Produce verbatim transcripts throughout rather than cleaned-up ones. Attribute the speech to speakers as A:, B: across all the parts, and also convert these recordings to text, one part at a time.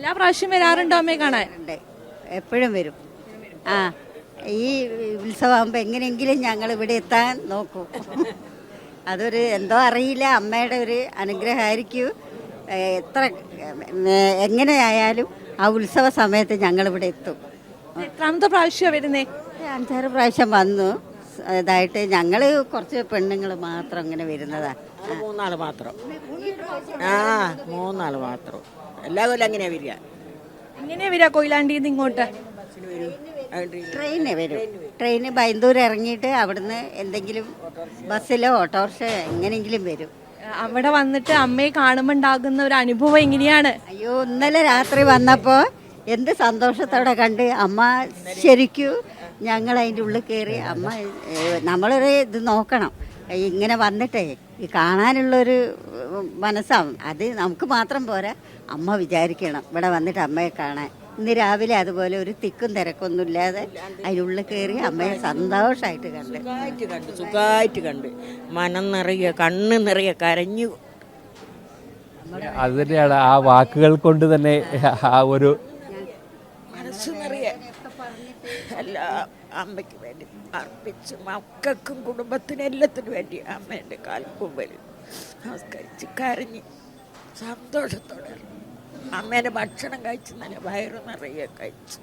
A: എല്ലാ പ്രാവശ്യം വരാറുണ്ടോ അമ്മയെ കാണാൻ?
B: ഉണ്ട്, എപ്പോഴും വരും. ആ, ഈ ഉത്സവമാകുമ്പോൾ എങ്ങനെയെങ്കിലും ഞങ്ങൾ ഇവിടെ എത്താൻ നോക്കും. അതൊരു എന്തോ അറിയില്ല, അമ്മയുടെ ഒരു അനുഗ്രഹമായിരിക്കും. എത്ര എങ്ങനെയായാലും ആ ഉത്സവ സമയത്ത് ഞങ്ങളിവിടെ എത്തും.
A: എത്രാമത്തെ പ്രാവശ്യമാണ് വരുന്നേ?
B: അഞ്ചാറ് പ്രാവശ്യം വന്നു. ഇതായിട്ട് ഞങ്ങൾ കുറച്ച് പെണ്ണുങ്ങൾ മാത്രം ഇങ്ങനെ വരുന്നതാണ്.
C: മൂന്നാള് മാത്രം. ആ മൂന്നാള് മാത്രം. എല്ലാ കൊല്ലം എങ്ങനെയാ വരിക?
A: എങ്ങനെയാ വരിക കൊയിലാണ്ടിന്ന് ഇങ്ങോട്ട്?
B: ട്രെയിന് വരും. ട്രെയിന് ബൈന്ദൂർ ഇറങ്ങിയിട്ട് അവിടുന്ന് എന്തെങ്കിലും ബസ്സിലോ ഓട്ടോറിക്ഷ എങ്ങനെയെങ്കിലും വരും.
A: അവിടെ വന്നിട്ട് അമ്മയെ കാണുമ്പോൾ ഉണ്ടാകുന്ന ഒരു അനുഭവം എങ്ങനെയാണ്?
B: അയ്യോ, ഇന്നലെ രാത്രി വന്നപ്പോൾ എന്ത് സന്തോഷത്തോടെ കണ്ട് അമ്മ. ശരിക്കും ഞങ്ങൾ അതിൻ്റെ ഉള്ളിൽ കയറി അമ്മ. നമ്മളൊരു ഇത് നോക്കണം, ഇങ്ങനെ വന്നിട്ടേ ഈ കാണാനുള്ളൊരു മനസ്സാവും. അത് നമുക്ക് മാത്രം പോരാ, അമ്മ വിചാരിക്കണം ഇവിടെ വന്നിട്ട് അമ്മയെ കാണാൻ. ഇന്ന് രാവിലെ അതുപോലെ ഒരു തിക്കും തിരക്കൊന്നും ഇല്ലാതെ അതിനുള്ളിൽ കയറി അമ്മയെ സന്തോഷമായിട്ട് കണ്ട്
C: സുഖമായിട്ട് കണ്ട് സുഖമായിട്ട് കണ്ട് മനം നിറയെ കണ്ണ് നിറയെ കരഞ്ഞു.
D: അത് തന്നെയാണ് ആ വാക്കുകൾ കൊണ്ട് തന്നെ ആ ഒരു
C: മനസ്സ് നിറയെ എല്ലാ അമ്മയ്ക്ക് വേണ്ടി അർപ്പിച്ച് മക്കൾക്കും കുടുംബത്തിനും എല്ലാത്തിനും വേണ്ടി അമ്മേൻ്റെ കാൽക്കുമ്പിൽ നമസ്കരിച്ച് കരഞ്ഞ് സന്തോഷത്തോടെ അമ്മേൻ്റെ ഭക്ഷണം കഴിച്ച് നല്ല വയറ് നിറയെ കഴിച്ച്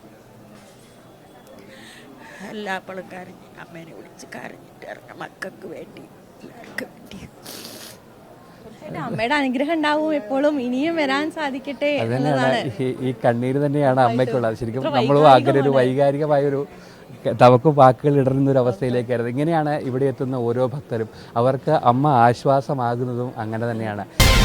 C: എല്ലാപ്പോഴും കരഞ്ഞ് അമ്മേനെ വിളിച്ച് കരഞ്ഞിട്ട് ഇറങ്ങാം മക്കൾക്ക് വേണ്ടി എല്ലാവർക്കും വേണ്ടി.
A: അമ്മയുടെ അനുഗ്രഹം ഉണ്ടാവും എപ്പോഴും, ഇനിയും വരാൻ സാധിക്കട്ടെ
D: അതന്നെയാണ് ഈ കണ്ണീര് തന്നെയാണ് അമ്മയ്ക്കുള്ളത്. ശരിക്കും നമ്മൾ അങ്ങനെ ഒരു വൈകാരികമായൊരു നമുക്ക് വാക്കുകൾ ഇടറുന്ന ഒരു അവസ്ഥയിലേക്കായിരുന്നു. ഇങ്ങനെയാണ് ഇവിടെ എത്തുന്ന ഓരോ ഭക്തരും, അവർക്ക് അമ്മ ആശ്വാസമാകുന്നതും അങ്ങനെ തന്നെയാണ്.